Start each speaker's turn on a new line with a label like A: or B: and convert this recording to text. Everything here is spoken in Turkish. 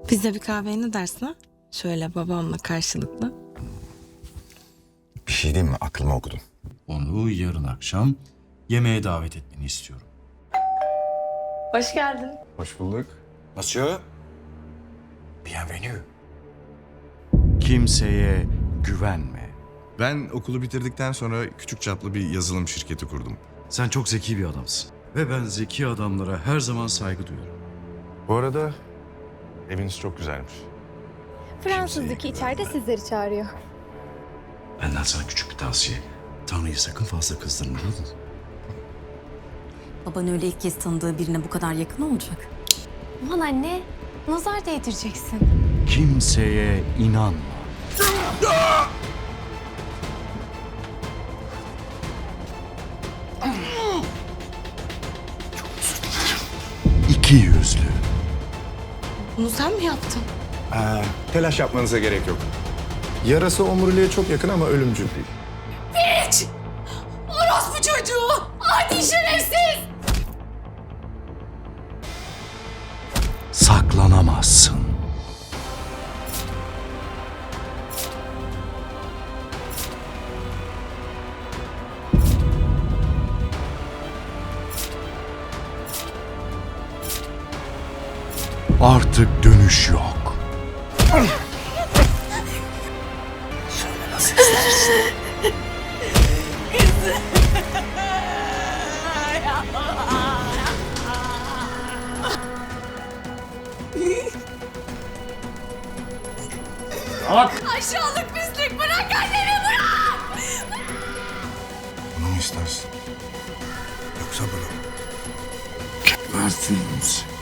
A: Biz de bir kahveye ne dersin ha? Şöyle babamla karşılıklı.
B: Bir şey diyeyim mi? Aklıma okudun.
C: Onu yarın akşam yemeğe davet etmeni istiyorum.
A: Hoş geldin.
B: Hoş bulduk. Monsieur. Bienvenue.
C: Kimseye güvenme.
D: Ben okulu bitirdikten sonra küçük çaplı bir yazılım şirketi kurdum.
C: Sen çok zeki bir adamsın. Ve ben zeki adamlara her zaman saygı duyuyorum.
D: Bu arada eviniz çok güzelmiş.
E: Fransız'daki içeride sizleri çağırıyor.
C: Benden sana küçük bir tavsiye. Tanrı'yı sakın fazla kızdırma.
F: Baban öyle ilk kez tanıdığı birine bu kadar yakın olacak.
E: Aman anne, nazar değdireceksin.
C: Kimseye inanma. İki yüzlü.
A: Bunu sen mi yaptın?
D: Telaş yapmanıza gerek yok. Yarası omuriliğe çok yakın ama ölümcül değil.
F: Orospu çocuğu! Adi şerefsiz!
C: Saklanamazsın. Artık dönüş yok.
F: Aşağılık pislik, bırak annemi, bırak!
D: Bunu mu istersin? Yoksa bunu?
C: Gebertiniz.